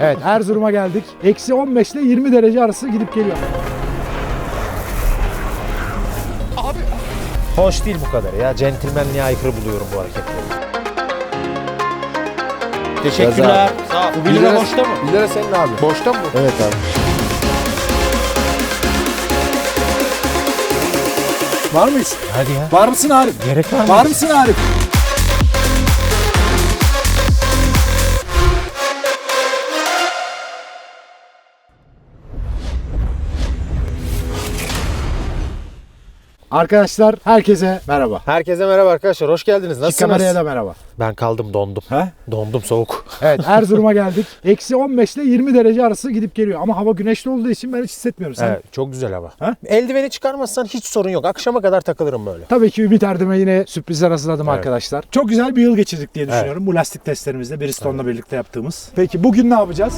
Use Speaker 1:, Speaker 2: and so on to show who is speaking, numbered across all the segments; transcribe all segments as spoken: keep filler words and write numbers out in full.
Speaker 1: Evet, Erzurum'a geldik. Eksi on beş ile yirmi derece arası gidip geliyor.
Speaker 2: Abi.
Speaker 3: Hoş değil bu kadar ya. Centilmenliğe aykırı buluyorum bu hareketleri. Teşekkürler. Sağ ol. Bu bir lira boşta mı?
Speaker 2: bir lira senin abi. Boşta mı?
Speaker 1: Evet abi. Var mıyız?
Speaker 3: Hadi ya.
Speaker 1: Var mısın Arif?
Speaker 3: Gerek var mı?
Speaker 1: Var mısın Arif? Arkadaşlar herkese merhaba.
Speaker 3: Herkese merhaba arkadaşlar. Hoş geldiniz.
Speaker 1: Şu
Speaker 3: Nasılsınız?
Speaker 1: kameraya da merhaba.
Speaker 3: Ben kaldım, dondum.
Speaker 1: He?
Speaker 3: Dondum, soğuk.
Speaker 1: Evet, Erzurum'a geldik. Eksi on beş ile yirmi derece arası gidip geliyor. Ama hava güneşli olduğu için ben hiç hissetmiyorum. Sen?
Speaker 3: Evet, çok güzel hava.
Speaker 1: Ha?
Speaker 3: Eldiveni çıkarmazsan hiç sorun yok. Akşama kadar takılırım böyle.
Speaker 1: Tabii ki Ümit Erdem'e yine sürprizler hazırladım
Speaker 3: Evet.
Speaker 1: arkadaşlar. Çok güzel bir yıl geçirdik diye düşünüyorum. Bu lastik testlerimizde Bristone'la birlikte yaptığımız. Peki bugün ne yapacağız?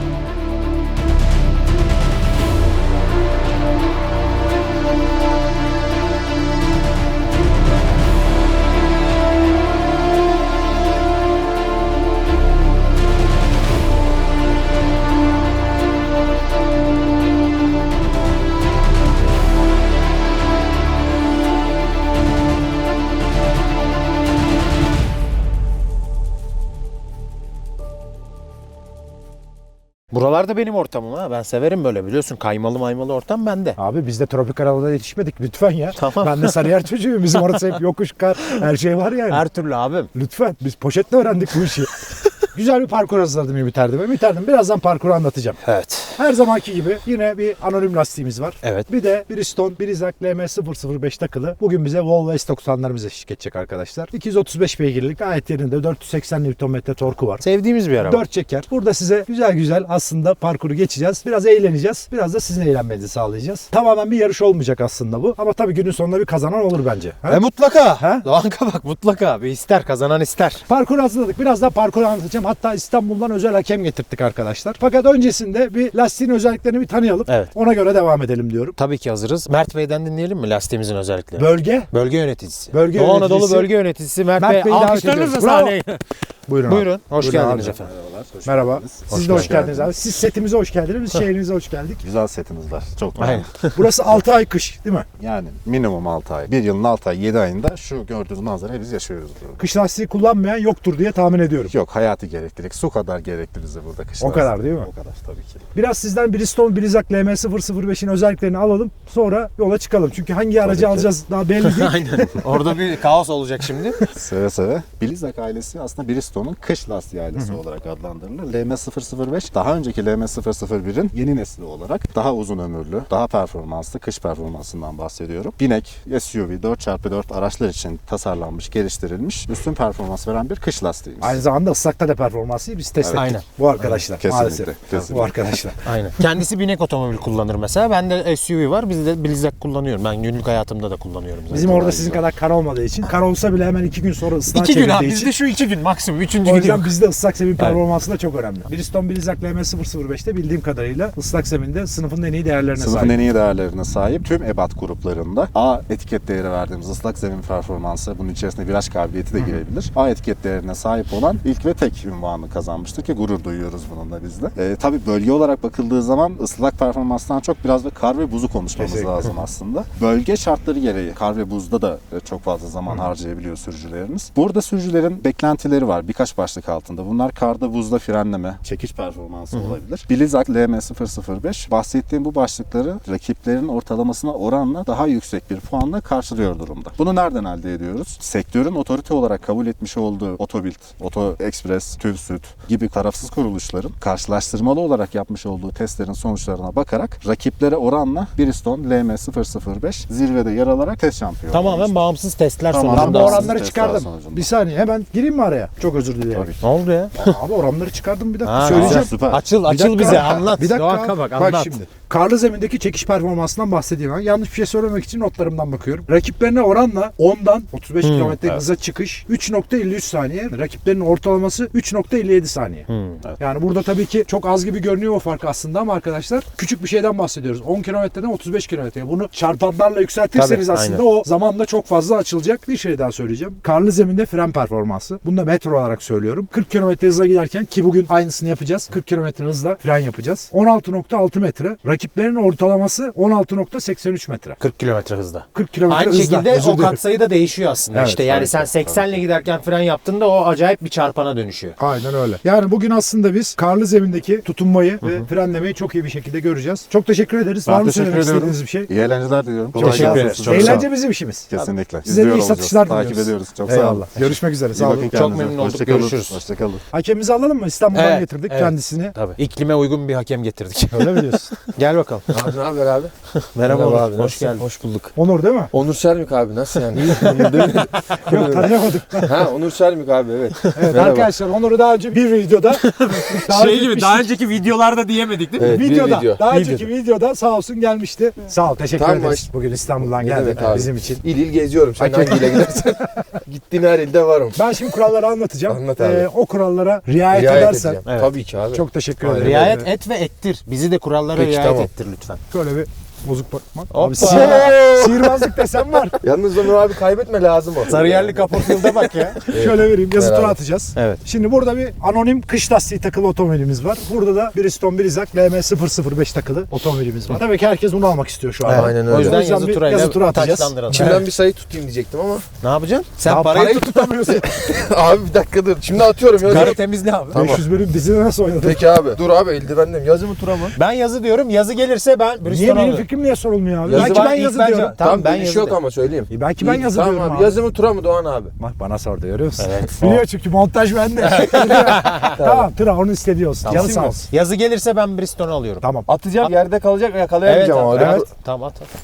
Speaker 3: Buralarda benim ortamım ha. Ben severim böyle, biliyorsun. Kaymalı maymalı ortam bende.
Speaker 1: Abi biz de tropikal havada yetişmedik lütfen ya.
Speaker 3: Tamam.
Speaker 1: Ben de Sarıyer çocuğuyum. Bizim orası hep yokuş, kar, her şey var yani.
Speaker 3: Her türlü abim.
Speaker 1: Lütfen. Biz poşetle öğrendik bu işi. Güzel bir parkur hazırladım Ümit Erdem'e. Ümit Erdem birazdan parkuru anlatacağım.
Speaker 3: Evet.
Speaker 1: Her zamanki gibi yine bir anonim lastiğimiz var.
Speaker 3: Evet.
Speaker 1: Bir de Bridgestone Blizzak L M sıfır sıfır beş takılı. Bugün bize Volvo S doksanlarımız eşlik edecek arkadaşlar. iki yüz otuz beş beygirlik, gayet yerinde, dört yüz seksen Newton metre torku var.
Speaker 3: Sevdiğimiz bir araba.
Speaker 1: dört çeker. Burada size güzel güzel aslında parkuru geçeceğiz. Biraz eğleneceğiz. Biraz da sizin eğlenmenizi sağlayacağız. Tamamen bir yarış olmayacak aslında bu. Ama tabii günün sonunda bir kazanan olur bence. Ha?
Speaker 3: E mutlaka.
Speaker 1: Ha?
Speaker 3: Doğanka bak, mutlaka. Bir ister, kazanan ister.
Speaker 1: Parkur hazırladık. Biraz daha parkuru anlatacağım. Hatta İstanbul'dan özel hakem getirttik arkadaşlar. Fakat öncesinde bir lastiğin özelliklerini bir tanıyalım.
Speaker 3: Evet.
Speaker 1: Ona göre devam edelim diyorum.
Speaker 3: Tabii ki hazırız. Mert Bey'den dinleyelim mi lastiğimizin özellikleri?
Speaker 1: Bölge.
Speaker 3: Bölge yöneticisi.
Speaker 1: Bölge
Speaker 3: Doğu
Speaker 1: yöneticisi.
Speaker 3: Anadolu Bölge Yöneticisi Mert,
Speaker 1: Mert
Speaker 3: Bey.
Speaker 1: Bey'i davet
Speaker 3: Alkışlarınızla
Speaker 1: ediyoruz. Bravo.
Speaker 3: sahneye.
Speaker 1: Buyurun.
Speaker 3: Buyurun. Hoş
Speaker 1: Buyurun
Speaker 3: geldiniz
Speaker 1: abi.
Speaker 3: efendim.
Speaker 1: Merhaba. Siz de hoş
Speaker 2: geldiniz.
Speaker 1: geldiniz abi. Siz setimize hoş geldiniz. Biz şehrinize hoş geldik.
Speaker 2: Güzel setimiz var. Çok
Speaker 3: Aynen.
Speaker 2: güzel.
Speaker 1: Burası altı ay kış değil mi?
Speaker 2: Yani minimum altı ay. Bir yılın altı ay, yedi ayında şu gördüğünüz manzarayı biz yaşıyoruz burada.
Speaker 1: Kış lastiği kullanmayan yoktur diye tahmin ediyorum.
Speaker 2: Yok, hayati gereklilik. Su kadar gerekli bize burada kış
Speaker 1: O kadar
Speaker 2: lastiği.
Speaker 1: değil mi?
Speaker 2: O kadar tabii ki.
Speaker 1: Biraz sizden Bridgestone Blizzak L M sıfır sıfır beşin özelliklerini alalım. Sonra yola çıkalım. Çünkü hangi aracı
Speaker 2: ki.
Speaker 1: alacağız daha belli değil.
Speaker 3: Aynen. Orada bir kaos olacak şimdi.
Speaker 2: Seve seve. Blizzak ailesi aslında Bridgestone'un kış lastiği ailesi olarak adlandırılır. L M sıfır sıfır beş daha önceki L M sıfır sıfır birin yeni nesli olarak daha uzun ömürlü, daha performanslı kış performansından bahsediyorum. Binek, S U V, dört çarpı dört araçlar için tasarlanmış, geliştirilmiş, üstün performans veren bir kış lastiğimiz.
Speaker 1: Aynı zamanda ıslakta da performansı biz test
Speaker 2: Evet.
Speaker 1: ettik.
Speaker 3: Aynen.
Speaker 1: Bu arkadaşlar
Speaker 2: Kesinlikle,
Speaker 1: maalesef.
Speaker 2: kesinlikle.
Speaker 1: Bu arkadaşlar.
Speaker 3: Aynen. Kendisi binek otomobil kullanır mesela. Ben de S U V var. Biz de Blizzak kullanıyorum. Ben günlük hayatımda da kullanıyorum zaten.
Speaker 1: Bizim orada sizin kadar kar olmadığı için, kar olsa bile hemen iki gün sonra ıslığa
Speaker 3: İki gün
Speaker 1: çevirdiği
Speaker 3: abi.
Speaker 1: için.
Speaker 3: Bizde şu iki gün maksimum. Üçüncü
Speaker 1: O
Speaker 3: gün yok.
Speaker 1: yüzden bizde ıslak zemin
Speaker 3: Aynen.
Speaker 1: performansı da çok önemli. Bridgestone Blizzak L M sıfır sıfır beşte bildiğim kadarıyla ıslak zeminde sınıfın en iyi değerlerine
Speaker 2: Sınıfın
Speaker 1: sahip.
Speaker 2: en iyi değerlerine sahip tüm ebat gruplarında A etiket değeri verdiğimiz ıslak zemin performansı, bunun içerisinde viraj kabiliyeti de girebilir. A etiket değerine sahip olan ilk ve tek ünvanı kazanmıştır ki gurur duyuyoruz bununla biz de. Ee, tabii bölge olarak bakıldığı zaman ıslak performanstan çok biraz da kar ve buzu konuşmamız
Speaker 1: Kesinlikle.
Speaker 2: lazım aslında. Bölge şartları gereği kar ve buzda da çok fazla zaman harcayabiliyor sürücülerimiz. Burada sürücülerin beklentileri var birkaç başlık altında. Bunlar karda buzda frenleme, çekiş performansı olabilir. Blizzak L M sıfır sıfır beş bahsettiğim bu başlıkları rakiplerin ortalamasına oranla daha yüksek bir puanla karşılıyor durumda. Bunu nereden elde ediyoruz? Sektörün otorite olarak kabul etmiş olduğu Otobild, Oto Express, TÜVSÜD gibi tarafsız kuruluşların karşılaştırmalı olarak yapmış olduğu testlerin sonuçlarına bakarak rakiplere oranla Bridgestone L M sıfır sıfır beş zirvede yer alarak test şampiyonu
Speaker 3: Tamamen
Speaker 2: olmuştur.
Speaker 3: bağımsız testler
Speaker 2: Tamamen
Speaker 1: Ben bu
Speaker 3: sonucunda.
Speaker 2: bağımsız.
Speaker 1: oranları
Speaker 2: testler
Speaker 1: çıkardım.
Speaker 2: sonucunda.
Speaker 1: Bir saniye hemen gireyim mi araya? Çok özür dilerim.
Speaker 2: Tabii.
Speaker 3: Ne oldu ya?
Speaker 1: Abi oranları çıkardım bir dakika
Speaker 3: Ha,
Speaker 1: söyleyeceğim.
Speaker 2: Süper.
Speaker 3: Açıl,
Speaker 1: Bir
Speaker 3: açıl
Speaker 1: dakika.
Speaker 3: bize anlat.
Speaker 1: Bir dakika.
Speaker 3: Doğanka bak, anlat.
Speaker 1: Bak şimdi. karlı zemindeki çekiş performansından bahsedeyim. Ben yanlış bir şey söylemek için notlarımdan bakıyorum. Rakiplerine oranla ondan otuz beş kilometre hıza çıkış üç nokta elli üç saniye. Rakiplerinin ortalaması üç nokta elli yedi saniye.
Speaker 2: Evet.
Speaker 1: Yani burada tabii ki çok az gibi görünüyor o fark aslında ama arkadaşlar küçük bir şeyden bahsediyoruz. on kilometreden otuz beş kilometreye. Bunu çarpanlarla yükseltirseniz
Speaker 3: Tabii,
Speaker 1: aslında
Speaker 3: aynen.
Speaker 1: o zamanla çok fazla açılacak. Bir şey daha söyleyeceğim. Karlı zeminde fren performansı. Bunu da metro olarak söylüyorum. kırk kilometre hızla giderken ki bugün aynısını yapacağız. kırk kilometre hızla fren yapacağız. on altı nokta altı metre. Rakiplerin ortalaması on altı nokta seksen üç metre.
Speaker 3: kırk kilometre hızda.
Speaker 1: kırk kilometre
Speaker 3: Aynı
Speaker 1: hızla.
Speaker 3: şekilde
Speaker 1: Özür
Speaker 3: o
Speaker 1: dilerim.
Speaker 3: katsayı da değişiyor aslında.
Speaker 1: Evet,
Speaker 3: işte yani
Speaker 2: tabii
Speaker 3: sen
Speaker 2: ki,
Speaker 3: seksenle giderken fren yaptığında o acayip bir çarpana dönüşüyor.
Speaker 1: Aynen öyle. Yani bugün aslında biz karlı zemindeki tutunmayı ve frenlemeyi çok iyi bir şekilde göreceğiz. Çok teşekkür ederiz.
Speaker 2: Ben
Speaker 1: Var mı
Speaker 2: teşekkür
Speaker 1: söylemek
Speaker 2: ediyorum.
Speaker 1: istediğiniz bir şey?
Speaker 2: İyi eğlenceler diliyorum.
Speaker 1: Çok teşekkür
Speaker 2: gelsin
Speaker 1: ederiz.
Speaker 2: size. Çok sağ
Speaker 1: Eğlence
Speaker 2: olun.
Speaker 1: bizim işimiz.
Speaker 2: Kesinlikle.
Speaker 1: Size de iyi
Speaker 2: İzliyor olacağız.
Speaker 1: satışlar
Speaker 2: Takip
Speaker 1: diliyoruz.
Speaker 2: ediyoruz. Çok sağ olun.
Speaker 1: Eyvallah. Görüşmek üzere.
Speaker 2: İyi
Speaker 1: Sağ
Speaker 2: bakın
Speaker 1: olun.
Speaker 3: Çok
Speaker 2: kendinize.
Speaker 3: memnun olduk.
Speaker 2: Hoşça kalın.
Speaker 3: Görüşürüz.
Speaker 2: Hoşça kalın.
Speaker 1: Hakemimizi alalım mı? İstanbul'dan
Speaker 3: Evet,
Speaker 1: getirdik
Speaker 3: evet.
Speaker 1: kendisini.
Speaker 3: Tabii. İklime uygun bir hakem getirdik.
Speaker 1: Öyle mi diyorsun?
Speaker 3: Gel bakalım.
Speaker 4: Abi ne haber abi?
Speaker 3: Merhaba,
Speaker 4: Merhaba
Speaker 3: abi.
Speaker 4: abi.
Speaker 3: Hoş
Speaker 4: nasılsın?
Speaker 3: geldin.
Speaker 4: Hoş bulduk.
Speaker 1: Onur değil mi?
Speaker 4: Onur Sermik abi nasıl yani? Onur değil mi?
Speaker 1: Yok tanıyamadık.
Speaker 4: Ha Onur Sermik abi evet.
Speaker 1: Evet
Speaker 4: Merhaba.
Speaker 1: arkadaşlar Onur'u daha önce bir videoda daha
Speaker 3: Şey
Speaker 1: önce
Speaker 3: gibi daha önceki videolarda diyemedik değil mi?
Speaker 4: Evet, bir
Speaker 1: videoda,
Speaker 4: video.
Speaker 1: daha
Speaker 4: Videoda.
Speaker 1: önceki videoda sağ olsun gelmişti. Sağ ol, teşekkür
Speaker 4: Tamam,
Speaker 1: ederiz.
Speaker 4: baş-
Speaker 1: Bugün İstanbul'dan
Speaker 4: Ne
Speaker 1: geldin
Speaker 4: demek abi?
Speaker 1: bizim için.
Speaker 4: İl il geziyorum. Sen
Speaker 1: Hakem-
Speaker 4: hangiyle gidersen. Gittiğin her ilde varım.
Speaker 1: Ben şimdi kuralları anlatacağım.
Speaker 4: Anlat abi.
Speaker 1: Ee, o kurallara riayet,
Speaker 4: Riayet
Speaker 1: edersen
Speaker 4: edeceğim.
Speaker 3: Evet.
Speaker 4: Tabii ki abi.
Speaker 1: çok teşekkür
Speaker 4: Aynen.
Speaker 1: ederim.
Speaker 3: Riayet
Speaker 1: Ee,
Speaker 3: et ve ettir. Bizi de kurallara
Speaker 4: Peki,
Speaker 3: riayet
Speaker 4: tamam.
Speaker 3: ettir lütfen.
Speaker 1: Şöyle bir bozuk bakma.
Speaker 3: Hoppa.
Speaker 1: Abi sihir- sihirbazlık desem var.
Speaker 4: Yalnız Onur abi kaybetme lazım o.
Speaker 3: Sarıyerli Kaportfield'a bak ya.
Speaker 1: Şöyle vereyim, yazı
Speaker 4: Beraber.
Speaker 1: tura atacağız.
Speaker 3: Evet.
Speaker 1: Şimdi burada bir anonim kış lastiği takılı otomobilimiz var. Burada da Bridgestone Blizzak L M sıfır sıfır beş takılı otomobilimiz var. Tabii ki herkes bunu almak istiyor şu an.
Speaker 3: Evet.
Speaker 4: Aynen
Speaker 3: O
Speaker 4: öyle.
Speaker 3: yüzden
Speaker 1: O yüzden
Speaker 3: yazı
Speaker 1: bir
Speaker 3: turayla
Speaker 1: yazı tura atacağız.
Speaker 3: taçlandıralım.
Speaker 4: İçimden
Speaker 3: Evet.
Speaker 4: bir sayı tutayım diyecektim ama.
Speaker 3: Ne yapacaksın? Sen
Speaker 1: Daha
Speaker 3: parayı,
Speaker 1: parayı
Speaker 3: tut.
Speaker 1: tutamıyorsun.
Speaker 4: Abi bir dakika dur. Şimdi atıyorum ya.
Speaker 3: Karı temizle abi.
Speaker 4: Tamam.
Speaker 1: beş yüz bölüm dizide nasıl oynadın?
Speaker 4: Peki abi. Dur abi eldivenliyim. Yazı mı tura mı?
Speaker 3: Ben yazı diyorum. Yazı gelirse ben
Speaker 1: Niye
Speaker 3: Bristol'u
Speaker 1: benim
Speaker 3: alıyorum.
Speaker 1: fikrim niye sorulmuyor abi?
Speaker 4: Yazı
Speaker 1: belki
Speaker 3: var,
Speaker 1: ben
Speaker 3: ilk
Speaker 1: yazı
Speaker 3: bence-
Speaker 1: diyorum.
Speaker 3: Tamam,
Speaker 4: Tamam
Speaker 3: ben
Speaker 4: ben bir
Speaker 3: yazı
Speaker 4: şey yok
Speaker 3: de.
Speaker 4: ama söyleyeyim.
Speaker 1: E, belki ben
Speaker 4: İyi,
Speaker 1: yazı
Speaker 4: tamam
Speaker 1: diyorum
Speaker 4: abi.
Speaker 1: abi.
Speaker 4: Yazı mı tura mı Doğan abi?
Speaker 1: Bak bana sordu görüyor musun?
Speaker 3: Evet.
Speaker 1: Biliyor çünkü montaj bende. Tamam tıra onun istediği olsun. Canı sağ olsun.
Speaker 3: Yazı gelirse ben Bristol'u alıyorum.
Speaker 1: Tamam.
Speaker 4: Atacağım yerde kalacak
Speaker 3: Evet,
Speaker 4: yakalayamayacağım ama.
Speaker 3: evet.
Speaker 4: öyle.
Speaker 1: Evet.
Speaker 3: Tamam at at.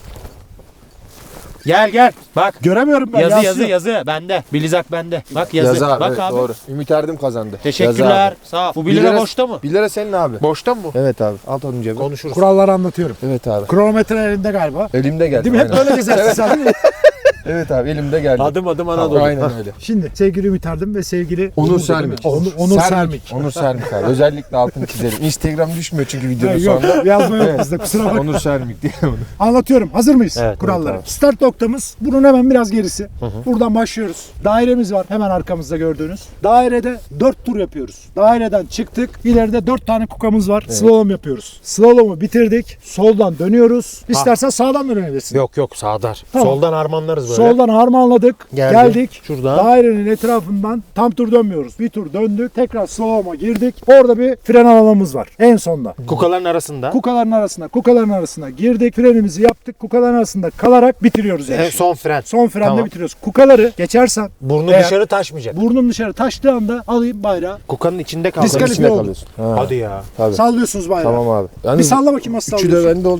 Speaker 3: Gel gel. Bak.
Speaker 1: Göremiyorum ben.
Speaker 3: Yazı yazı
Speaker 1: yansıyor.
Speaker 3: yazı bende. Bilizak bende. Bak yazı.
Speaker 4: Yazı abi,
Speaker 3: Bak
Speaker 4: evet,
Speaker 3: abi.
Speaker 4: doğru. Ümit Erdim kazandı. Yazı
Speaker 3: Teşekkürler.
Speaker 4: abi.
Speaker 3: Sağ ol. Bu
Speaker 4: Bir
Speaker 3: bir lira
Speaker 4: lira-
Speaker 3: boşta mı?
Speaker 4: bir lira senin abi.
Speaker 3: Boşta mı bu?
Speaker 4: Evet abi. At onun cebine.
Speaker 3: Konuşuruz.
Speaker 1: Kuralları anlatıyorum.
Speaker 4: Evet abi.
Speaker 1: Kronometre elinde galiba.
Speaker 4: Elimde geldi.
Speaker 1: Değil mi? Hep
Speaker 4: aynen.
Speaker 1: böyle gezersin sen değil mi?
Speaker 4: Evet abi elimde geldi.
Speaker 3: Adım adım Anadolu.
Speaker 4: Aynen öyle.
Speaker 1: Şimdi sevgili Ümit Erdim ve sevgili
Speaker 4: Onur Sermik.
Speaker 1: Onur, Onur Sermik.
Speaker 4: Onur Sermik abi. Özellikle altını çizelim. Instagram düşmüyor çünkü
Speaker 1: Ha,
Speaker 4: videonun
Speaker 1: yok
Speaker 4: sonunda.
Speaker 1: yazma yok bizde kusura bakma.
Speaker 4: Onur Sermik diye onu.
Speaker 1: Anlatıyorum. Hazır mıyız
Speaker 3: Evet,
Speaker 1: kuralları?
Speaker 4: evet abi.
Speaker 1: Start noktamız bunun hemen biraz gerisi. Buradan başlıyoruz. Dairemiz var hemen arkamızda gördüğünüz. Dairede dört tur yapıyoruz. Daireden çıktık. İleride dört tane kukamız var. Slalom yapıyoruz. Slalomu bitirdik. Soldan dönüyoruz. İstersen sağdan da dönebilirsin.
Speaker 3: Yok yok sağdar.
Speaker 1: Tamam.
Speaker 3: Soldan harmanlarız böyle.
Speaker 1: Soldan harmanladık.
Speaker 3: Geldi.
Speaker 1: Geldik.
Speaker 3: Şuradan.
Speaker 1: Dairenin etrafından tam tur dönmüyoruz. Bir tur döndük. Tekrar slalom'a girdik. Orada bir fren alanımız var. En sonda.
Speaker 3: Kukaların arasında.
Speaker 1: Kukaların arasına, kukaların arasına girdik. Frenimizi yaptık. Kukaların arasında kalarak bitiriyoruz
Speaker 3: En
Speaker 1: yarışı.
Speaker 3: son fren.
Speaker 1: Son frende
Speaker 3: Tamam.
Speaker 1: bitiriyoruz. Kukaları geçersen
Speaker 3: Burnu
Speaker 1: Eğer-
Speaker 3: dışarı taşmayacak.
Speaker 1: burnun dışarı taştığı anda alayım bayrağı.
Speaker 3: Kukanın içinde kaldı.
Speaker 1: Diskalifiye
Speaker 4: İçinde
Speaker 1: oldu.
Speaker 4: kalıyorsun. Ha,
Speaker 3: Hadi ya.
Speaker 4: tabii.
Speaker 1: Sallıyorsunuz bayrağı.
Speaker 4: Tamam abi.
Speaker 1: Bir
Speaker 4: Yalnız
Speaker 1: salla bakayım nasıl
Speaker 4: üçü de
Speaker 1: sallıyorsun.
Speaker 4: bende oldu.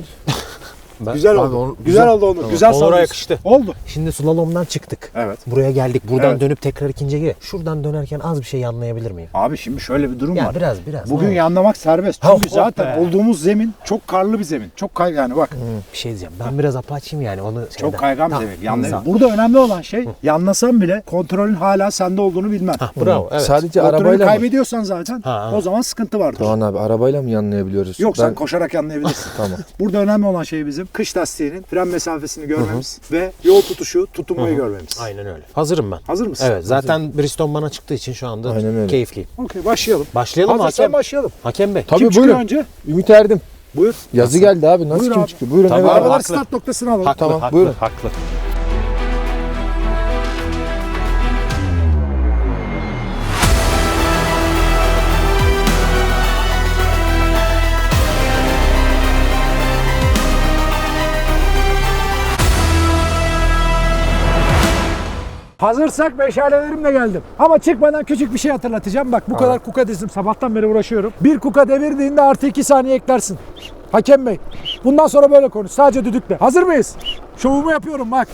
Speaker 1: Güzel
Speaker 4: Abi
Speaker 1: oldu.
Speaker 4: onu-
Speaker 1: güzel, oldu Onur. Güzel
Speaker 3: Onur'a
Speaker 1: sallıyorsun.
Speaker 3: yakıştı.
Speaker 1: Oldu.
Speaker 3: Şimdi slalomdan çıktık.
Speaker 1: Evet.
Speaker 3: Buraya geldik. Buradan
Speaker 1: Evet.
Speaker 3: dönüp tekrar ikinciye gir. Şuradan dönerken az bir şey yanlayabilir miyim?
Speaker 1: Abi şimdi şöyle bir durum
Speaker 3: Ya
Speaker 1: var.
Speaker 3: biraz biraz.
Speaker 1: Bugün
Speaker 3: Ne olur.
Speaker 1: yanlamak serbest.
Speaker 3: Ha,
Speaker 1: Çünkü
Speaker 3: oh
Speaker 1: zaten
Speaker 3: be.
Speaker 1: olduğumuz zemin çok karlı bir zemin. Çok kay yani bak.
Speaker 3: Hı, bir şey diyeceğim. Ben biraz apaçayım yani onu şeyden.
Speaker 1: Çok kaygan bir
Speaker 3: Tamam.
Speaker 1: zemin. Yanlayın.
Speaker 3: Sağ ol.
Speaker 1: Burada önemli olan şey yanlasan bile kontrolün hala sende olduğunu bilmen.
Speaker 3: Hah, bravo. Evet.
Speaker 4: Sadece
Speaker 1: Kontrolü
Speaker 4: arabayla mı?
Speaker 1: kaybediyorsan zaten
Speaker 3: Ha, ha.
Speaker 1: o zaman sıkıntı vardır.
Speaker 4: Doğan abi arabayla mı yanlayabiliyoruz?
Speaker 1: Yok
Speaker 4: Ben-
Speaker 1: sen koşarak yanlayabilirsin.
Speaker 4: Tamam.
Speaker 1: Burada önemli olan şey bizim kış lastiğinin fren mesafesini görmemiz ve yol tutuşu, tutunmayı görmemiz.
Speaker 3: Aynen öyle. Hazırım ben.
Speaker 1: Hazır mısın?
Speaker 3: Evet. Zaten Bristol bana çıktığı için şu anda
Speaker 4: Aynen öyle.
Speaker 3: keyifliyim.
Speaker 1: Okey başlayalım.
Speaker 3: Başlayalım mı
Speaker 1: Hazırsan
Speaker 3: hakem?
Speaker 1: başlayalım.
Speaker 3: Hakem Bey.
Speaker 4: Tabii
Speaker 1: Kim çıkıyor
Speaker 4: buyurun.
Speaker 1: önce?
Speaker 4: Ümit Erdim.
Speaker 1: Buyur.
Speaker 4: Yazı geldi abi. Nasıl
Speaker 1: Buyur
Speaker 4: kim
Speaker 1: abi.
Speaker 4: çıkıyor? Buyurun.
Speaker 3: Tamam.
Speaker 4: evet abi.
Speaker 1: Arabalar
Speaker 3: haklı.
Speaker 1: start noktasını alalım.
Speaker 3: Haklı,
Speaker 4: Tamam,
Speaker 3: haklı,
Speaker 4: buyurun.
Speaker 3: haklı.
Speaker 1: Hazırsak meşalelerimle geldim. Ama çıkmadan küçük bir şey hatırlatacağım. Bak bu kadar kuka dizdim. Sabahtan beri uğraşıyorum. Bir kuka devirdiğinde artı iki saniye eklersin. Hakem Bey. Bundan sonra böyle konuş. Sadece düdükle. Hazır mıyız? Şovumu yapıyorum bak.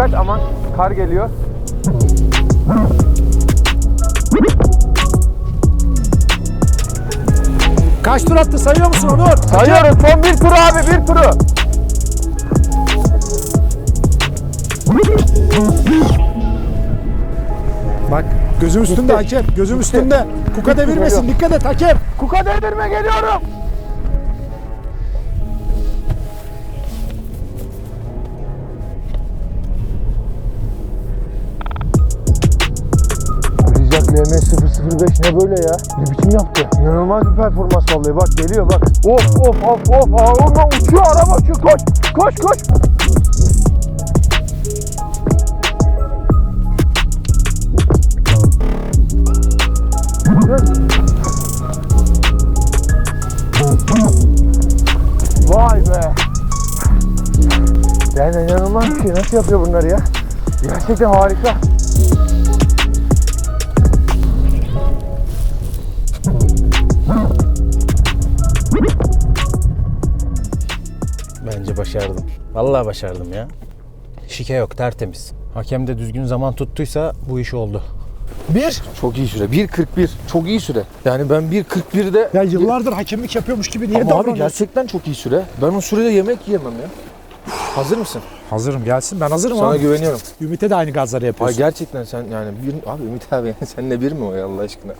Speaker 4: dikkat aman kar geliyor.
Speaker 1: Kaç tur attı sayıyor musun Onur?
Speaker 4: Sayıyorum son bir tur abi bir turu.
Speaker 1: Bak gözüm üstünde hakem. Gözüm üstünde. Kuka devirmesin. Dikkat et hakem.
Speaker 4: Kuka devirme geliyorum. Blizzak L M sıfır sıfır beş ne böyle ya? Ne biçim yaptı? İnanılmaz bir performans vallahi bak geliyor bak. Of of of of. Aa, ondan uçuyor araba uçuyor koş koş koş. Vay be. Yani inanılmaz bir şey. Nasıl yapıyor bunları ya? Gerçekten harika.
Speaker 3: Bence başardım. Vallahi başardım ya. Şike yok, tertemiz. Hakem de düzgün zaman tuttuysa bu iş oldu.
Speaker 4: Bir. Çok iyi süre. bir kırk bir. Çok iyi süre. Yani ben bir kırk birde...
Speaker 1: Ya yıllardır hakemlik yapıyormuş gibi niye
Speaker 4: Ama abi
Speaker 1: davranıyorsun?
Speaker 4: gerçekten çok iyi süre. Ben o sürede yemek yiyemem ya. Hazır mısın?
Speaker 1: Hazırım gelsin. Ben hazırım
Speaker 4: Sana
Speaker 1: abi.
Speaker 4: güveniyorum.
Speaker 1: Ümit'e de aynı gazları
Speaker 4: Ay
Speaker 1: yapıyorsun.
Speaker 4: gerçekten sen yani bir... Abi Ümit abi seninle bir mi o ya Allah aşkına?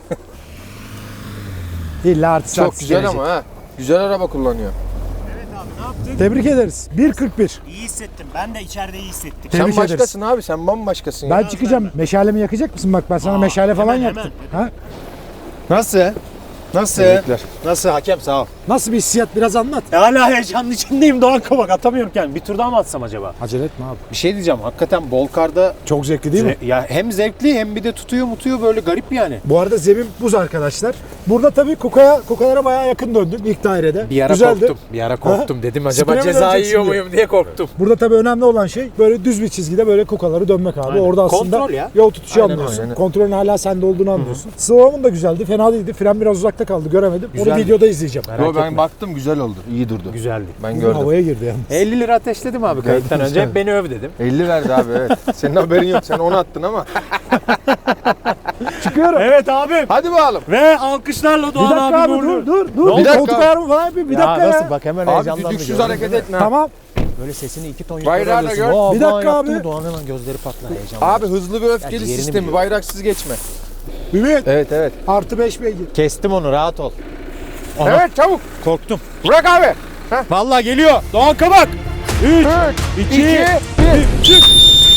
Speaker 1: İlla artist
Speaker 4: Çok
Speaker 1: artist
Speaker 4: güzel
Speaker 1: gelecek.
Speaker 4: ama ha. Güzel araba kullanıyor.
Speaker 1: Tebrik ederiz. bir kırk bir.
Speaker 5: İyi hissettim. Ben de içeride iyi hissettim.
Speaker 1: Tebrik
Speaker 4: sen
Speaker 1: ederiz.
Speaker 4: başkasın abi. Sen bambaşkasın ya.
Speaker 1: Ben çıkacağım. Meşalemi yakacak mısın? Bak ben sana
Speaker 5: Aa,
Speaker 1: meşale falan
Speaker 5: hemen,
Speaker 1: yaktım. Ha?
Speaker 3: Nasıl? Nasıl?
Speaker 4: Tebrikler.
Speaker 3: Nasıl hakem sağ ol.
Speaker 1: Nasıl bir hissiyat biraz anlat.
Speaker 5: E, hala heyecanın içindeyim Doğan Kabak. Atamıyorum kendimi. Bir tur daha mı atsam acaba?
Speaker 1: Acele etme abi.
Speaker 3: Bir şey diyeceğim. Hakikaten bol karda
Speaker 1: Çok zevkli değil mi?
Speaker 3: ze- ya hem zevkli hem bir de tutuyor mutuyor böyle garip yani.
Speaker 1: Bu arada zemin buz arkadaşlar. Burada tabii kukaya, kukalara bayağı yakın döndüm ilk dairede.
Speaker 3: Bir ara
Speaker 1: Güzeldi.
Speaker 3: korktum. Bir ara korktum. Dedim acaba
Speaker 1: Spreye mi
Speaker 3: ceza
Speaker 1: döneceksin
Speaker 3: yiyor
Speaker 1: diye.
Speaker 3: muyum diye korktum.
Speaker 1: Burada tabii önemli olan şey böyle düz bir çizgide böyle kukaları dönmek abi.
Speaker 3: Aynen.
Speaker 1: Orada aslında
Speaker 3: Kontrol ya.
Speaker 1: yol tutuşu
Speaker 3: Aynen,
Speaker 1: anlıyorsun.
Speaker 4: aynen.
Speaker 1: Kontrolün hala sende olduğunu anlıyorsun. Slalom'un da güzeldi. Fena değildi. Fren biraz uzakta kaldı. Göremedim. Onu
Speaker 3: Güzeldi.
Speaker 1: videoda izleyeceğim.
Speaker 4: Yo, ben baktım güzel oldu. İyi durdu.
Speaker 3: Güzeldi.
Speaker 4: Ben
Speaker 1: Bugün
Speaker 4: gördüm.
Speaker 1: havaya girdi yani.
Speaker 3: elli lira ateşledim abi kayıttan önce. Hep beni öv dedim.
Speaker 4: elli verdi abi evet. Senin haberin yok. Sen onu attın ama.
Speaker 1: Çıkıyorum.
Speaker 5: Evet abim.
Speaker 4: Hadi bakalım.
Speaker 5: Ve alkışlarla
Speaker 1: Bir
Speaker 5: Doğan
Speaker 1: dakika
Speaker 5: abi
Speaker 1: abi dur
Speaker 5: uğurluyor.
Speaker 1: dur dur.
Speaker 4: Bir
Speaker 1: Bir
Speaker 4: dakika.
Speaker 1: koltuk ayarımı falan yapayım. Bir dakika ya.
Speaker 3: nasıl bak hemen
Speaker 4: Abi
Speaker 3: heyecanlandı.
Speaker 4: düdüksüz
Speaker 3: gördün
Speaker 4: hareket
Speaker 3: değil mi?
Speaker 4: etme.
Speaker 1: Tamam.
Speaker 3: Böyle sesini iki ton yukarı
Speaker 4: Bayrağı da
Speaker 3: alıyorsun.
Speaker 4: gör.
Speaker 3: Vaa,
Speaker 1: Bir
Speaker 3: vaa
Speaker 1: dakika
Speaker 3: yaptın,
Speaker 1: abi.
Speaker 3: Doğan hemen gözleri patlar heyecanla.
Speaker 4: Abi hızlı ve öfkeli
Speaker 3: Yani yerini
Speaker 4: sistemi.
Speaker 3: biliyor.
Speaker 4: Bayraksız geçme.
Speaker 1: Ümit.
Speaker 4: Evet evet.
Speaker 1: Artı beş beygir.
Speaker 3: Kestim onu rahat ol. Aha,
Speaker 4: Evet çabuk.
Speaker 3: korktum.
Speaker 4: Bırak abi.
Speaker 3: Vallahi geliyor. Doğan Kabak.
Speaker 4: üç,
Speaker 3: iki,
Speaker 4: iki, bir.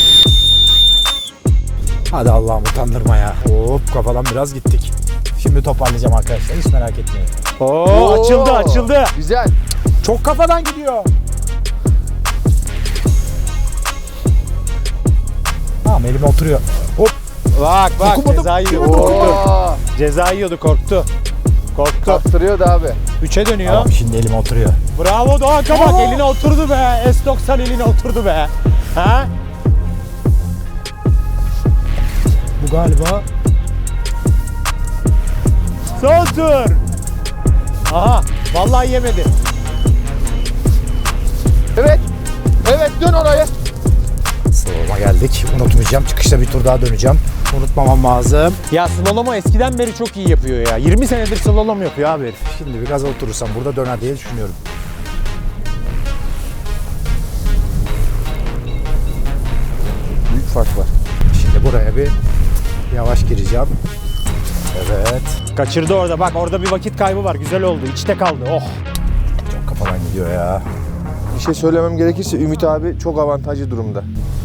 Speaker 1: Hadi Allah'ım utandırma ya. Hop kafadan biraz gittik. Şimdi toparlayacağım arkadaşlar. Hiç merak etmeyin.
Speaker 5: Oo, açıldı açıldı.
Speaker 4: Güzel.
Speaker 1: Çok kafadan gidiyor. Tamam elim oturuyor. Hop.
Speaker 3: Bak bak
Speaker 1: Dokunmadım.
Speaker 3: ceza yiyor.
Speaker 1: Dokunmadım.
Speaker 3: Korktu.
Speaker 4: Oo.
Speaker 3: Ceza yiyordu korktu. Korktu.
Speaker 4: Kaptırıyordu abi.
Speaker 3: Üçe dönüyor.
Speaker 1: Tamam şimdi elim oturuyor.
Speaker 3: Bravo Doğan Kabak.
Speaker 1: Aa!
Speaker 3: Eline oturdu be. S doksan eline oturdu be. Ha?
Speaker 1: Bu galiba
Speaker 3: Son tur. Aha. Vallahi yemedi.
Speaker 4: Evet. Evet dön oraya.
Speaker 1: slalom'a geldik. Unutmayacağım. Çıkışta bir tur daha döneceğim. Unutmamam lazım.
Speaker 3: Ya slalom'u eskiden beri çok iyi yapıyor ya. yirmi senedir slalom yapıyor abi herif.
Speaker 1: Şimdi bir gaza oturursam burada döner diye düşünüyorum.
Speaker 4: Büyük fark var.
Speaker 1: Şimdi buraya bir yavaş gireceğim. Evet.
Speaker 3: Kaçırdı orada bak orada bir vakit kaybı var. Güzel oldu. İçte kaldı. Oh.
Speaker 1: Çok kafadan gidiyor ya.
Speaker 4: Bir şey söylemem gerekirse Ümit abi çok avantajlı durumda.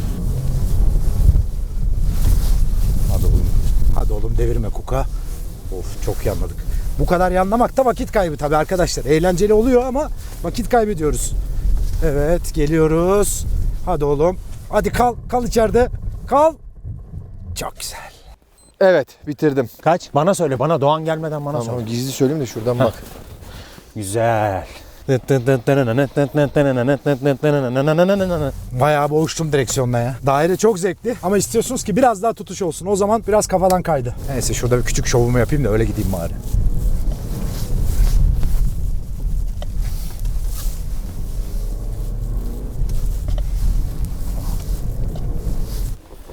Speaker 1: Hadi oğlum. Hadi oğlum devirme kuka. Of çok yanladık. Bu kadar yanlamak da vakit kaybı tabii arkadaşlar. Eğlenceli oluyor ama vakit kaybediyoruz. Evet geliyoruz. Hadi oğlum. Hadi kal. Kal içeride. Kal. Çok güzel.
Speaker 4: Evet bitirdim.
Speaker 3: Kaç? Bana söyle bana. Doğan gelmeden bana
Speaker 4: Tamam
Speaker 3: söyle.
Speaker 4: gizli söyleyeyim de şuradan bak.
Speaker 3: Güzel.
Speaker 1: Bayağı boğuştum direksiyonla ya. Daire çok zevkli ama istiyorsunuz ki biraz daha tutuş olsun. O zaman biraz kafadan kaydı. Neyse şurada bir küçük şovumu yapayım da öyle gideyim bari.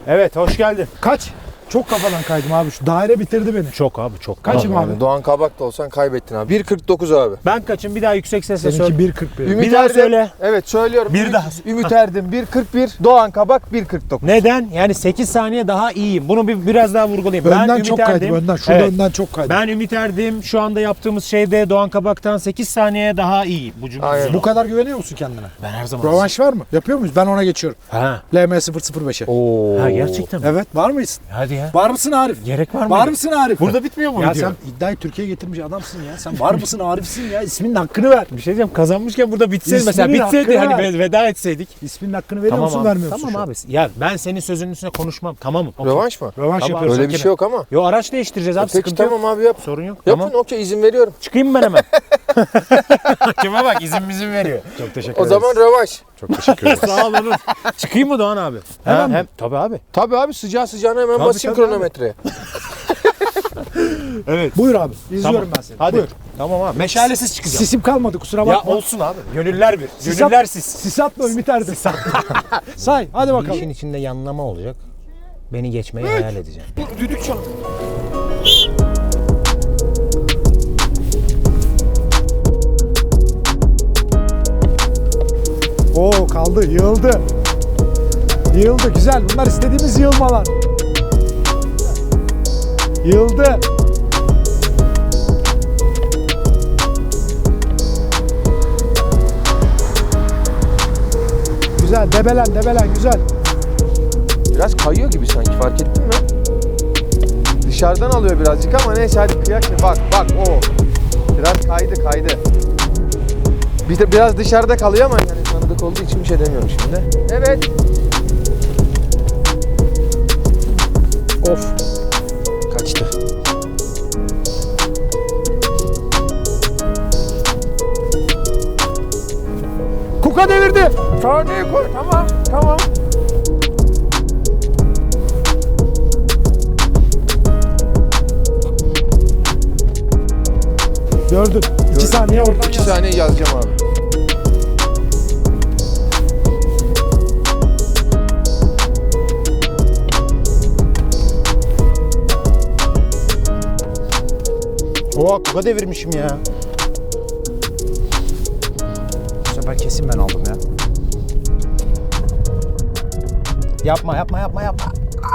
Speaker 3: Evet, hoş geldin.
Speaker 1: Kaç? Çok kafadan kaydım abi. Şu daire bitirdi beni.
Speaker 3: Çok abi, çok.
Speaker 1: Kaçım abi?
Speaker 4: Yani Doğan Kabak da olsan kaybettin abi. bir kırk dokuz abi.
Speaker 3: Ben kaçım? Bir daha yüksek sesle söyle.
Speaker 1: Seninki bir kırk bir.
Speaker 4: Ümit
Speaker 3: Bir daha
Speaker 4: Erdem-
Speaker 3: söyle.
Speaker 4: Evet söylüyorum.
Speaker 3: Bir
Speaker 4: Ümit,
Speaker 3: daha.
Speaker 4: Ümit Erdem bir kırk bir, Doğan Kabak bir kırk dokuz.
Speaker 3: Neden? Yani sekiz saniye daha iyiyim. Bunu bir biraz daha vurgulayayım. ben
Speaker 1: Önden
Speaker 3: Ümit
Speaker 1: çok
Speaker 3: Erdem.
Speaker 1: kaydım. Önden. Şurada
Speaker 3: Evet.
Speaker 1: önden çok kaydım.
Speaker 3: Ben Ümit Erdem. Şu anda yaptığımız şeyde Doğan Kabak'tan sekiz saniye daha iyiyim. Bu cümle.
Speaker 4: Aynen.
Speaker 1: Bu kadar güveniyor musun kendine?
Speaker 3: Ben her zaman.
Speaker 1: Rövanş var mı? Yapıyor muyuz? Ben ona geçiyorum.
Speaker 3: Ha.
Speaker 1: L M sıfır sıfır beşe.
Speaker 4: Oo.
Speaker 3: Ha gerçekten mi?
Speaker 1: Evet. Var mıyız?
Speaker 3: Hadi ya.
Speaker 1: Var mısın Arif?
Speaker 3: Gerek var mı?
Speaker 1: Var mısın Arif?
Speaker 3: Burada bitmiyor mu
Speaker 1: Ya
Speaker 3: video?
Speaker 1: sen iddiayı Türkiye'ye getirmiş adamsın ya. Sen var mısın Arif'sin ya. İsminin hakkını ver.
Speaker 3: Bir şey diyeceğim, kazanmışken burada bitseydi
Speaker 1: İsminin
Speaker 3: mesela, bitseydi
Speaker 1: hakkını
Speaker 3: hani
Speaker 1: ver.
Speaker 3: veda etseydik.
Speaker 1: İsminin hakkını veriyor
Speaker 3: Tamam
Speaker 1: musun
Speaker 3: abi.
Speaker 1: vermiyor musun?
Speaker 3: Tamam
Speaker 1: şu an?
Speaker 3: abi. Ya ben senin sözünün üstüne konuşmam. Tamamım. Okey.
Speaker 4: Rövanş mı?
Speaker 1: Rövanş
Speaker 3: Tamam,
Speaker 1: yapıyoruz.
Speaker 4: Öyle bir şey yok ama.
Speaker 3: Yo, araç değiştireceğiz abi.
Speaker 4: Peki
Speaker 3: Sıkıntı
Speaker 4: tamam
Speaker 3: yok.
Speaker 4: abi yap.
Speaker 3: Sorun yok.
Speaker 4: Yapın
Speaker 3: Tamam.
Speaker 4: okey izin veriyorum.
Speaker 3: Çıkayım mı ben hemen? Hakeme bak, izin bizim veriyor. Çok teşekkür
Speaker 4: O zaman rövanş.
Speaker 3: Çok teşekkür ederim. Sağ ol Onur. Çıkayım mı Doğan abi?
Speaker 1: Hemen
Speaker 3: Ha,
Speaker 1: mi?
Speaker 3: hem, tabii abi.
Speaker 4: Tabii abi sıcağı sıcağına hemen
Speaker 3: Tabii,
Speaker 4: basayım
Speaker 3: tabii
Speaker 4: kronometreye.
Speaker 3: Evet.
Speaker 1: Buyur abi. İzliyorum
Speaker 3: Tamam.
Speaker 1: ben seni.
Speaker 3: Hadi.
Speaker 1: Buyur.
Speaker 3: Tamam abi. Meşalesiz çıkacağım.
Speaker 1: Sisim kalmadı kusura
Speaker 3: Ya
Speaker 1: bakma.
Speaker 3: olsun abi. Gönüller bir.
Speaker 1: Sis
Speaker 3: Gönüller
Speaker 1: at-
Speaker 3: siz.
Speaker 1: Sis atma Ümit Erdem. Say hadi bakalım.
Speaker 3: İşin içinde yanlama olacak. Beni geçmeyi hayal edeceğim.
Speaker 1: Düdük çal. Oo kaldı, yığıldı. Yığıldı, güzel. Bunlar istediğimiz yığılmalar. Yığıldı. Güzel, debelen, debelen, güzel.
Speaker 4: Biraz kayıyor gibi sanki fark ettin mi? Dışarıdan alıyor birazcık ama neyse hadi kıyak. Bak bak o. Biraz kaydı kaydı. Bir de biraz dışarıda kalıyor ama yani tanıdık olduğu için bir şey demiyorum şimdi. Evet.
Speaker 3: Of. Kaçtı.
Speaker 1: Kuka devirdi.
Speaker 4: Saniye koy. Tamam tamam.
Speaker 1: Gördün. İki saniye oradan
Speaker 4: İki
Speaker 1: yaz.
Speaker 4: saniye yazacağım abi.
Speaker 3: Oha, kuka devirmişim ya.
Speaker 1: Bu sefer kesin ben aldım ya.
Speaker 3: Yapma yapma yapma yapma.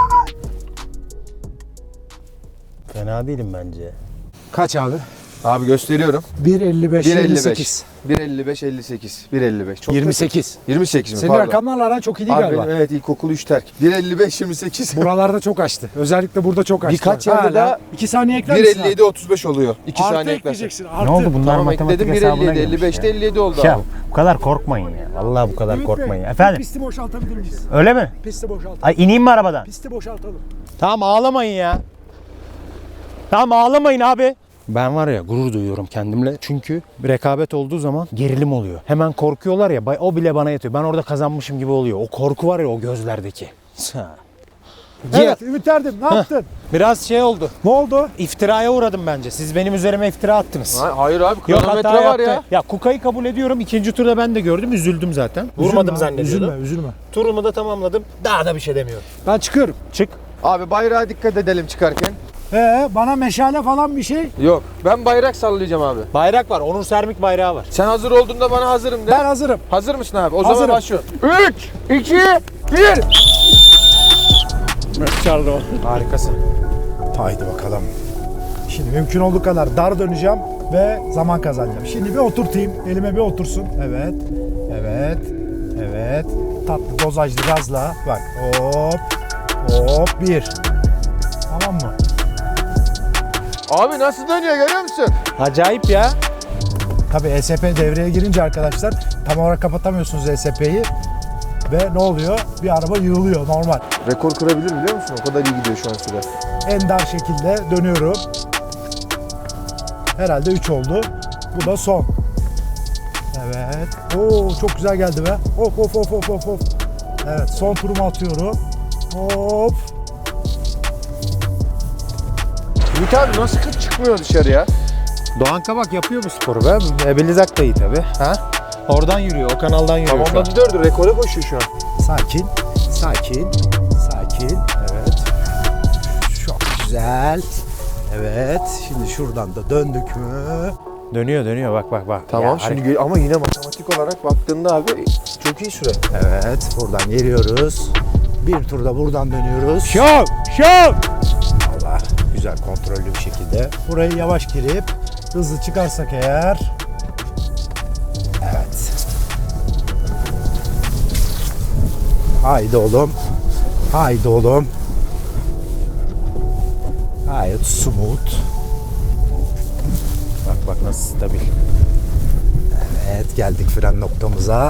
Speaker 3: Fena değilim bence.
Speaker 1: Kaç abi?
Speaker 4: Abi gösteriyorum.
Speaker 1: bir elli beş,
Speaker 4: bir
Speaker 1: elli
Speaker 4: elli
Speaker 1: sekiz.
Speaker 4: beş. bir elli beş elli sekiz. bir elli beş. Çok
Speaker 1: yirmi sekiz.
Speaker 4: yirmi sekiz mi?
Speaker 1: Senin
Speaker 4: Pardon.
Speaker 1: rakamlarla aran çok iyi değil
Speaker 4: Abi
Speaker 1: galiba.
Speaker 4: benim evet ilkokul üç terk. bir elli beş yirmi sekiz.
Speaker 1: Buralarda çok açtı. Özellikle burada çok açtı.
Speaker 4: Birkaç yerde
Speaker 1: Hala.
Speaker 4: daha
Speaker 1: iki saniye ekler
Speaker 4: bir
Speaker 1: misin
Speaker 4: elli yedi otuz beş oluyor. iki
Speaker 1: abi? Artı
Speaker 4: saniye eklersen.
Speaker 1: ekleyeceksin. Artı.
Speaker 3: Ne oldu bunlar
Speaker 4: Tamam
Speaker 3: matematik
Speaker 4: ekledim bir
Speaker 3: hesabına
Speaker 4: elli yedi
Speaker 3: girmiş
Speaker 4: elli beşte
Speaker 3: ya.
Speaker 4: elli yedi oldu
Speaker 3: Ya
Speaker 4: abi.
Speaker 3: bu kadar korkmayın ya. Vallahi bu kadar
Speaker 1: Ümit
Speaker 3: korkmayın.
Speaker 1: Bey,
Speaker 3: Efendim?
Speaker 1: Pisti boşaltabilir miyiz?
Speaker 3: Öyle mi?
Speaker 1: Pisti boşaltalım.
Speaker 3: Ay ineyim mi arabadan?
Speaker 1: Pisti boşaltalım.
Speaker 3: Tamam ağlamayın ya. Tamam ağlamayın abi. Ben var ya gurur duyuyorum kendimle. Çünkü bir rekabet olduğu zaman gerilim oluyor. Hemen korkuyorlar ya, bay- o bile bana yetiyor. Ben orada kazanmışım gibi oluyor. O korku var ya o gözlerdeki.
Speaker 1: Evet Ümit Erdem ne yaptın?
Speaker 3: Biraz şey oldu.
Speaker 1: Ne oldu?
Speaker 3: İftiraya uğradım bence. Siz benim üzerime iftira attınız.
Speaker 4: Ha- Hayır abi
Speaker 3: Yok,
Speaker 4: kronometre
Speaker 3: hata
Speaker 4: var
Speaker 3: yaptı.
Speaker 4: ya.
Speaker 3: Ya Kuka'yı kabul ediyorum. İkinci turda ben de gördüm. Üzüldüm zaten. Vurmadım
Speaker 1: Üzülme,
Speaker 3: zannediyordum.
Speaker 1: Üzülme, üzülme.
Speaker 3: Turumu da tamamladım. Daha da bir şey demiyorum.
Speaker 1: Ben çıkıyorum.
Speaker 3: Çık.
Speaker 4: Abi bayrağa dikkat edelim çıkarken.
Speaker 1: Ee, bana meşale falan bir şey.
Speaker 4: Yok ben bayrak sallayacağım abi.
Speaker 3: Bayrak var. Onur Sermik bayrağı var.
Speaker 4: Sen hazır olduğunda bana hazırım de.
Speaker 1: Ben hazırım.
Speaker 4: Hazır mısın abi? O
Speaker 1: Hazırım.
Speaker 4: zaman başlıyorum. üç, iki, bir.
Speaker 3: Çaldı o. Harikasın.
Speaker 1: Haydi bakalım. Şimdi mümkün olduğu kadar dar döneceğim ve zaman kazanacağım. Şimdi bir oturtayım. Elime bir otursun. Evet. Evet. Evet. Tatlı dozajlı gazla. Bak. Hop. Hop. Bir. Tamam mı?
Speaker 4: Abi nasıl dönüyor görüyor musun?
Speaker 3: Acayip ya.
Speaker 1: Tabii E S P devreye girince arkadaşlar tam olarak kapatamıyorsunuz E S P'yi. Ve ne oluyor? Bir araba yığılıyor normal.
Speaker 4: Rekor kırabilir biliyor musun? O kadar iyi gidiyor şu an süre.
Speaker 1: En dar şekilde dönüyorum. Herhalde üç oldu. Bu da son. Evet. Oo çok güzel geldi be. Hop hop hop hop hop hop. Evet son turumu atıyorum. Hop.
Speaker 4: Ümit abi nasıl kırk çıkmıyor dışarıya?
Speaker 3: Doğan Kabak yapıyor bu sporu be. Ebelizak da iyi tabi. Ha? Oradan yürüyor. O kanaldan yürüyor
Speaker 4: Tamam
Speaker 3: şu an.
Speaker 4: da dördü rekora koşuyor şu an.
Speaker 1: Sakin. Sakin. Sakin. Güzel. Evet. Şimdi şuradan da döndük mü?
Speaker 3: Dönüyor dönüyor bak bak bak.
Speaker 4: Tamam
Speaker 3: Ya,
Speaker 4: şimdi gö- ama yine matematik olarak baktığında abi çok iyi süre.
Speaker 1: Evet. Buradan geliyoruz. Bir turda buradan dönüyoruz.
Speaker 3: Şov! Şov!
Speaker 1: Allah. Güzel kontrollü bir şekilde. Burayı yavaş girip hızlı çıkarsak eğer. Evet. Haydi oğlum. Haydi oğlum. Gayet smooth.
Speaker 3: Bak bak nasıl stabil.
Speaker 1: Evet, geldik fren noktamıza.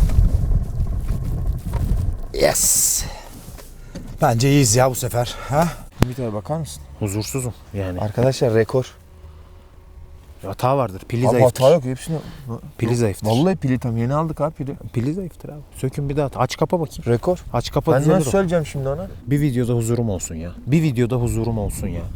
Speaker 1: Yes. Bence iyiyiz ya bu sefer. Ha?
Speaker 4: Ümit abi bakar mısın?
Speaker 3: Huzursuzum yani.
Speaker 4: Arkadaşlar rekor.
Speaker 3: Hata vardır. Pili
Speaker 4: Abi
Speaker 3: zayıftır.
Speaker 4: hata yok hepsini.
Speaker 3: Pili zayıftır.
Speaker 4: Vallahi pili tam yeni aldık abi pili.
Speaker 3: Pili zayıftır abi. Sökün bir daha. Aç kapa bakayım.
Speaker 4: Rekor.
Speaker 3: Aç kapa
Speaker 4: Ben
Speaker 3: düzelir
Speaker 4: nasıl
Speaker 3: o.
Speaker 4: söyleyeceğim şimdi ona?
Speaker 3: Bir videoda huzurum olsun ya. Bir videoda huzurum olsun ya.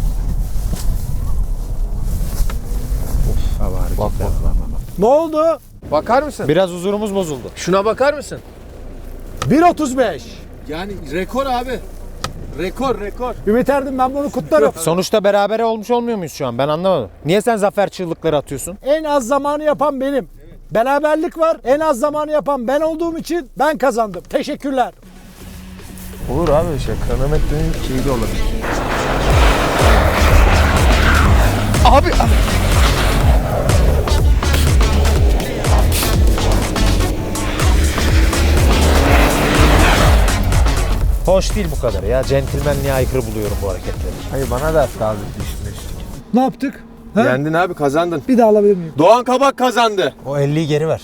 Speaker 3: Of. Abi hareketler.
Speaker 4: Bak, bak.
Speaker 3: Bak, bak, bak.
Speaker 1: Ne oldu?
Speaker 4: Bakar mısın?
Speaker 3: Biraz huzurumuz bozuldu.
Speaker 4: Şuna bakar mısın?
Speaker 1: bir otuz beş.
Speaker 4: Yani rekor abi. Rekor rekor.
Speaker 1: Ümit Erdem, ben bunu kutlarım.
Speaker 3: Sonuçta berabere olmuş olmuyor muyuz şu an? Ben anlamadım. Niye sen zafer çığlıkları atıyorsun?
Speaker 1: En az zamanı yapan benim. Beraberlik var. En az zamanı yapan ben olduğum için ben kazandım. Teşekkürler.
Speaker 4: Olur abi şey kronometrenin şeyi de olabilir. Abi
Speaker 3: Hoş değil bu kadar ya. Centilmenliğe aykırı buluyorum bu hareketleri.
Speaker 4: hayır bana da attı abi üstüne üstüne.
Speaker 1: Ne yaptık? Ha?
Speaker 4: Yendin abi kazandın.
Speaker 1: Bir daha alabilir miyim?
Speaker 4: Doğan Kabak kazandı.
Speaker 3: O elliyi geri ver.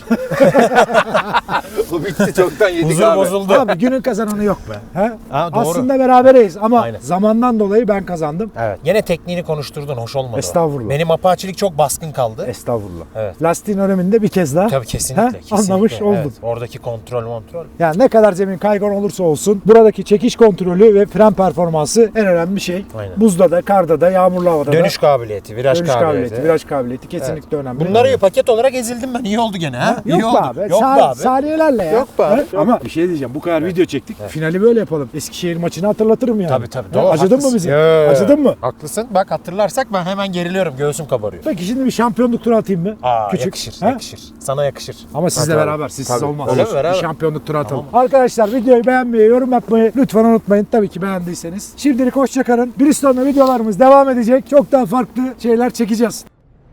Speaker 4: Bu bitti çoktan yedik
Speaker 3: Huzur
Speaker 4: abi.
Speaker 3: bozuldu.
Speaker 1: Abi günün kazananı yok be. Ha?
Speaker 3: Ha, doğru.
Speaker 1: Aslında berabereyiz ama
Speaker 3: Aynen.
Speaker 1: zamandan dolayı ben kazandım.
Speaker 3: Evet. Yine tekniğini konuşturdun. Hoş olmadı. o.
Speaker 1: Estağfurullah.
Speaker 3: Benim apaçilik çok baskın kaldı.
Speaker 1: Estağfurullah.
Speaker 3: Evet.
Speaker 1: Lastiğin öneminde bir kez daha.
Speaker 3: Tabii kesinlikle.
Speaker 1: Ha?
Speaker 3: kesinlikle.
Speaker 1: Anlamış oldun.
Speaker 3: Evet. Oradaki kontrol kontrol.
Speaker 1: Yani ne kadar zemin kaygan olursa olsun buradaki çekiş kontrolü ve fren performansı en önemli şey.
Speaker 3: Aynen.
Speaker 1: Buzda da, karda da, yağmurlu havada
Speaker 3: Dönüş
Speaker 1: da.
Speaker 3: kabiliyeti, viraj
Speaker 1: Dönüş
Speaker 3: kabiliyeti.
Speaker 1: kabiliyeti, viraj kabiliyeti kesinlikle önemli.
Speaker 3: Bunları paket olarak ezildim ben. İyi oldu gene ha.
Speaker 1: Ha?
Speaker 3: İyi
Speaker 1: Yok
Speaker 3: oldu.
Speaker 1: be abi.
Speaker 3: Yok
Speaker 1: Sa-
Speaker 3: be abi.
Speaker 1: Saniyelerle ya.
Speaker 4: Yok be abi.
Speaker 1: Ha? Ama bir şey diyeceğim. Bu kadar video çektik. Finali böyle yapalım. Eskişehir maçını hatırlatırım yani.
Speaker 3: Tabii tabii.
Speaker 1: Ha?
Speaker 3: Doğru,
Speaker 1: Acıdın
Speaker 3: haklısın.
Speaker 1: mı bize?
Speaker 3: Yo.
Speaker 1: Acıdın mı?
Speaker 3: Haklısın. Bak hatırlarsak ben hemen geriliyorum. Göğsüm kabarıyor.
Speaker 1: Peki şimdi bir şampiyonluk turu atayım mı?
Speaker 3: Aa,
Speaker 1: Küçük.
Speaker 3: yakışır,
Speaker 1: Ha?
Speaker 3: yakışır. Sana yakışır.
Speaker 1: Ama sizle
Speaker 3: Hadi
Speaker 1: beraber,
Speaker 3: abi.
Speaker 1: siz
Speaker 3: Tabii.
Speaker 1: siz olmaz.
Speaker 3: Öyle mi?
Speaker 1: Bir
Speaker 3: Beraber.
Speaker 1: şampiyonluk turu atalım. Arkadaşlar videoyu beğenmeyi, yorum yapmayı lütfen unutmayın. Tabii ki beğendiyseniz. Şimdilik hoşça kalın. Bristone'da videolarımız devam edecek. Çok daha farklı şeyler çekeceğiz.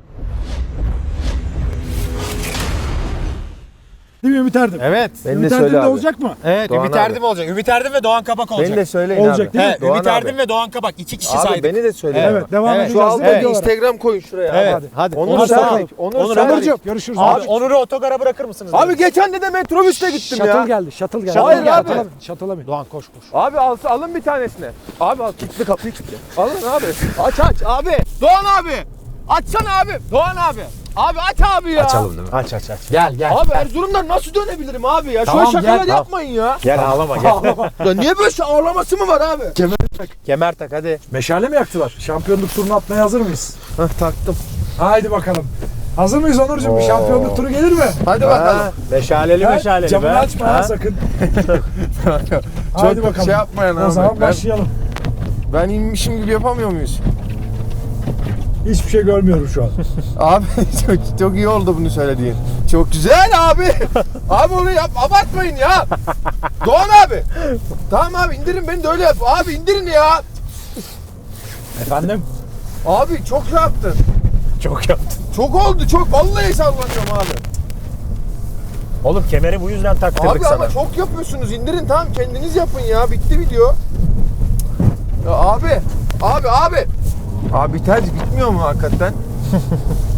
Speaker 1: Değil mi Ümit Erdem?
Speaker 3: Evet.
Speaker 4: Beni de
Speaker 1: Ümit
Speaker 4: söyle
Speaker 1: Erdem de
Speaker 4: abi.
Speaker 1: olacak mı?
Speaker 3: Evet.
Speaker 4: Doğan
Speaker 3: Ümit
Speaker 4: abi.
Speaker 3: Erdem olacak. Ümit Erdem ve Doğan Kabak olacak.
Speaker 4: Beni de söyleyin
Speaker 1: Olacak
Speaker 4: abi.
Speaker 1: değil mi?
Speaker 3: He,
Speaker 4: Doğan
Speaker 3: Ümit
Speaker 4: abi.
Speaker 3: Erdem ve Doğan Kabak. İki kişi
Speaker 4: Abi
Speaker 3: saydık.
Speaker 4: beni de söyleyin.
Speaker 1: Evet, devam
Speaker 3: Evet.
Speaker 1: edeceğiz.
Speaker 4: Şu altta
Speaker 1: Evet.
Speaker 4: bir Instagram koyun şuraya.
Speaker 3: Evet.
Speaker 4: Hadi.
Speaker 3: Hadi.
Speaker 4: Onur
Speaker 3: Onur
Speaker 4: Serdik. Onur
Speaker 3: Onur
Speaker 4: Serdik.
Speaker 1: Onurcuğum görüşürüz.
Speaker 3: Abi Onur'u otogara bırakır mısınız?
Speaker 4: Abi geçen de de metrobüste gittim
Speaker 1: Shuttle
Speaker 4: ya.
Speaker 1: geldi, shuttle geldi.
Speaker 4: Hayır
Speaker 1: Shuttle
Speaker 4: abi.
Speaker 1: geldi. Shuttle'a bin.
Speaker 3: Doğan koş koş.
Speaker 4: Abi al, alın bir tanesini. Abi al kilitli kapıyı kilitle. Alın abi. Aç aç abi. Doğan abi. Açsana abi. Doğan abi. Abi aç abi ya.
Speaker 3: Açalım değil mi? Aç aç aç. Gel gel.
Speaker 4: Abi Erzurum'dan nasıl dönebilirim abi ya?
Speaker 3: Tamam,
Speaker 4: Şöyle şakalar
Speaker 3: gel, tamam.
Speaker 4: yapmayın ya.
Speaker 3: Gel ağlama gel.
Speaker 4: Ya niye böyle şey ağlaması mı var abi?
Speaker 3: Kemer tak hadi.
Speaker 1: Meşale mi yaktılar? Şampiyonluk turunu atmaya hazır mıyız?
Speaker 4: Hah taktım.
Speaker 1: Haydi bakalım. Hazır mıyız Onurcuğum? Bir şampiyonluk turu gelir mi?
Speaker 4: Hadi bakalım.
Speaker 3: Meşaleli
Speaker 1: Ha?
Speaker 3: meşaleli
Speaker 1: Camını
Speaker 3: be.
Speaker 1: açma ha sakın. Haydi
Speaker 4: Çok
Speaker 1: bakalım.
Speaker 4: şey yapmayın abi.
Speaker 1: O zaman
Speaker 4: Ben-
Speaker 1: başlayalım.
Speaker 4: Ben inmişim gibi yapamıyor muyuz?
Speaker 1: Hiçbir şey görmüyorum şu an.
Speaker 4: Abi çok, çok iyi oldu bunu söylediğin. Çok güzel abi. Abi onu yap, abartmayın ya. Doğan abi. Tamam abi indirin beni de öyle yap. Abi indirin ya.
Speaker 1: Efendim?
Speaker 4: Abi çok şey yaptın.
Speaker 3: Çok yaptın.
Speaker 4: Çok oldu çok. Vallahi sallanıyorum abi.
Speaker 3: Oğlum kemeri bu yüzden taktırdık
Speaker 4: Abi
Speaker 3: sana.
Speaker 4: ama çok yapıyorsunuz. İndirin tamam kendiniz yapın ya. Bitti video. Ya abi. Abi abi. Abi biter bitmiyor mu hakikaten?